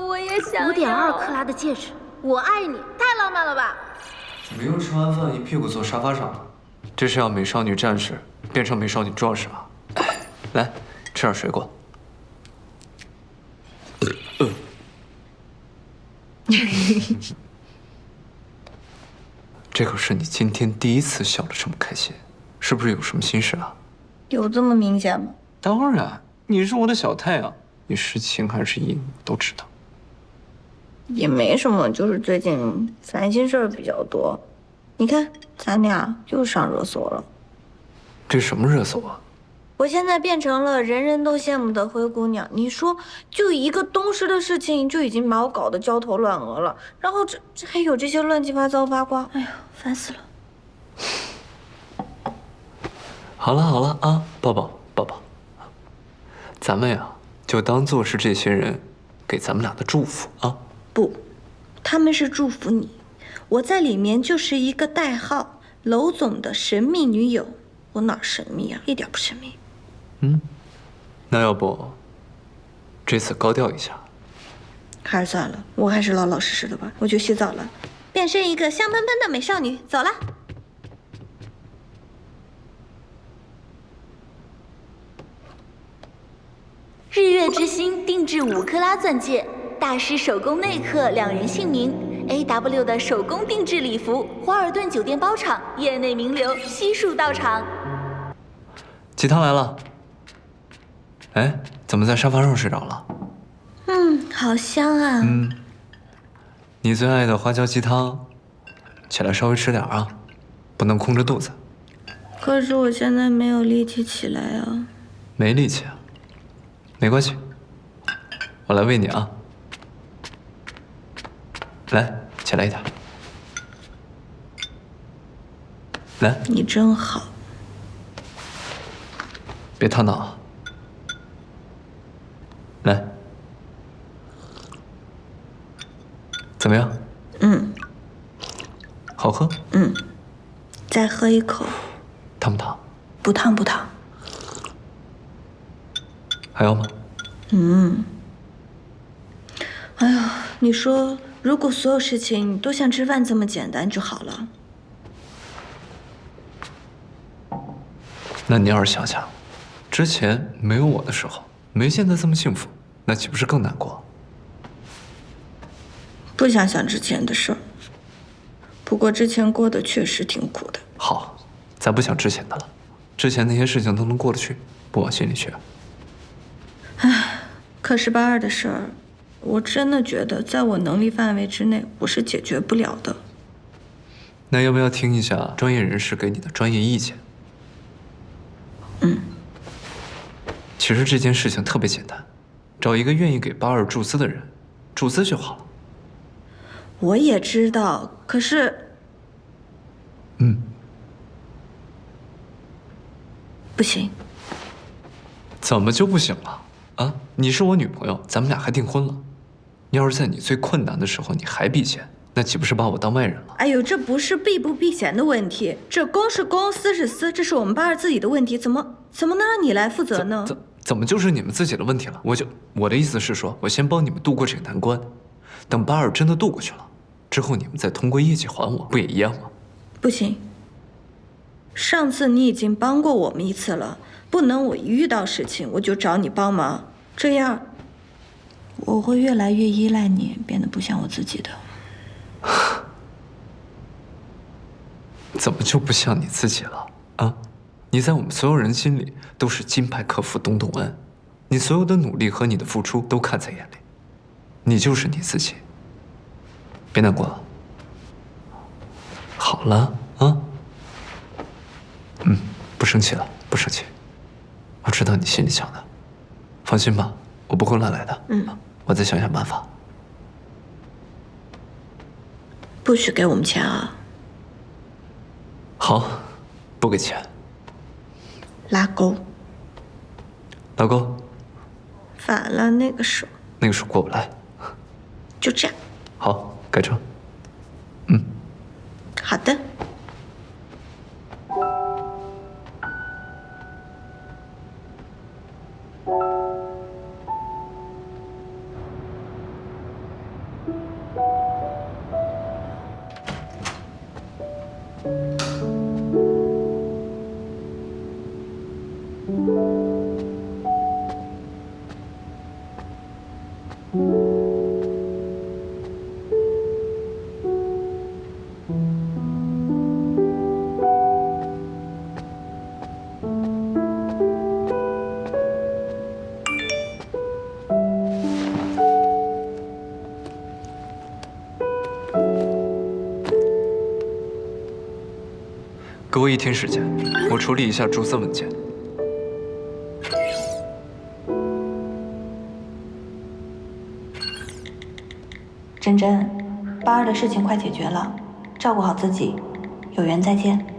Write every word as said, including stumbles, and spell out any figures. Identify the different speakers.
Speaker 1: 我也想要。
Speaker 2: 五点二克拉的戒指，我爱你，太浪漫了吧？
Speaker 3: 怎么又吃完饭一屁股坐沙发上了？这是要美少女战士变成美少女壮士啊！来，吃点水果。呃这可是你今天第一次笑得这么开心，是不是有什么心事啊？
Speaker 4: 有这么明显吗？
Speaker 3: 当然，你是我的小太阳，你是晴还是阴都知道。
Speaker 4: 也没什么，就是最近烦心事儿比较多。你看，咱俩又上热搜了。
Speaker 3: 这什么热搜啊？
Speaker 4: 我现在变成了人人都羡慕的灰姑娘。你说，就一个东施的事情，就已经把我搞得焦头烂额了。然后这这还有这些乱七八糟八卦，哎呀，烦死了。
Speaker 3: 好了好了啊，抱抱抱抱，咱们呀就当做是这些人给咱们俩的祝福啊。
Speaker 4: 不，他们是祝福你，我在里面就是一个代号，娄总的神秘女友。我哪儿神秘啊？一点不神秘。
Speaker 3: 嗯，那要不这次高调一下？
Speaker 4: 还是算了，我还是老老实实的吧。我去洗澡了，变身一个香喷喷的美少女，走了。
Speaker 1: 日月之星定制五克拉钻戒，大师手工内刻两人姓名。A W 的手工定制礼服，华尔顿酒店包场，业内名流悉数到场。
Speaker 3: 鸡汤来了。哎，怎么在沙发上睡着了？
Speaker 4: 嗯，好香啊。
Speaker 3: 嗯，你最爱的花椒鸡汤，起来稍微吃点啊，不能空着肚子。
Speaker 4: 可是我现在没有力气起来啊。
Speaker 3: 没力气啊？没关系，我来喂你啊。来，起来一点。来，
Speaker 4: 你真好。
Speaker 3: 别烫到啊。来，怎么样？
Speaker 4: 嗯。
Speaker 3: 好喝？
Speaker 4: 嗯。再喝一口。
Speaker 3: 烫不烫？
Speaker 4: 不烫不烫。
Speaker 3: 还要吗？
Speaker 4: 嗯。哎呀，你说，如果所有事情都像吃饭这么简单就好了。
Speaker 3: 那你要是想想，之前没有我的时候，没现在这么幸福，那岂不是更难过？
Speaker 4: 不想想之前的事儿。不过之前过得确实挺苦的。
Speaker 3: 好，咱不想之前的了，之前那些事情都能过得去，不往心里去。
Speaker 4: 唉，可是八二的事儿，我真的觉得在我能力范围之内，我是解决不了的。
Speaker 3: 那要不要听一下专业人士给你的专业意见？
Speaker 4: 嗯。
Speaker 3: 其实这件事情特别简单，找一个愿意给八二注资的人，注资就好了。
Speaker 4: 我也知道，可是……
Speaker 3: 嗯。
Speaker 4: 不行。
Speaker 3: 怎么就不行了？啊，你是我女朋友，咱们俩还订婚了。要是在你最困难的时候你还避嫌，那岂不是把我当外人了？
Speaker 4: 哎呦，这不是避不避嫌的问题，这公是公，私是私，这是我们八二自己的问题，怎么怎么能让你来负责呢？
Speaker 3: 怎怎么就是你们自己的问题了？我就我的意思是说，我先帮你们度过这个难关，等八二真的度过去了，之后你们再通过业绩还我，不也一样吗？
Speaker 4: 不行，上次你已经帮过我们一次了。不能我一遇到事情我就找你帮忙，这样我会越来越依赖你，变得不像我自己的。
Speaker 3: 怎么就不像你自己了啊？你在我们所有人心里都是金牌客服东东恩，你所有的努力和你的付出都看在眼里，你就是你自己。别难过了，好了啊，嗯，不生气了，不生气。我知道你心里想的，放心吧，我不会乱来的。
Speaker 4: 嗯，
Speaker 3: 我再想想办法。
Speaker 4: 不许给我们钱啊！
Speaker 3: 好，不给钱。
Speaker 4: 拉钩。
Speaker 3: 拉钩。
Speaker 4: 反了，那个手。
Speaker 3: 那个手过不来。
Speaker 4: 就这样。
Speaker 3: 好，改成。嗯。
Speaker 4: 好的。
Speaker 3: 给我一天时间，我处理一下注册文件。
Speaker 4: 珍珍，八儿的事情快解决了，照顾好自己，有缘再见。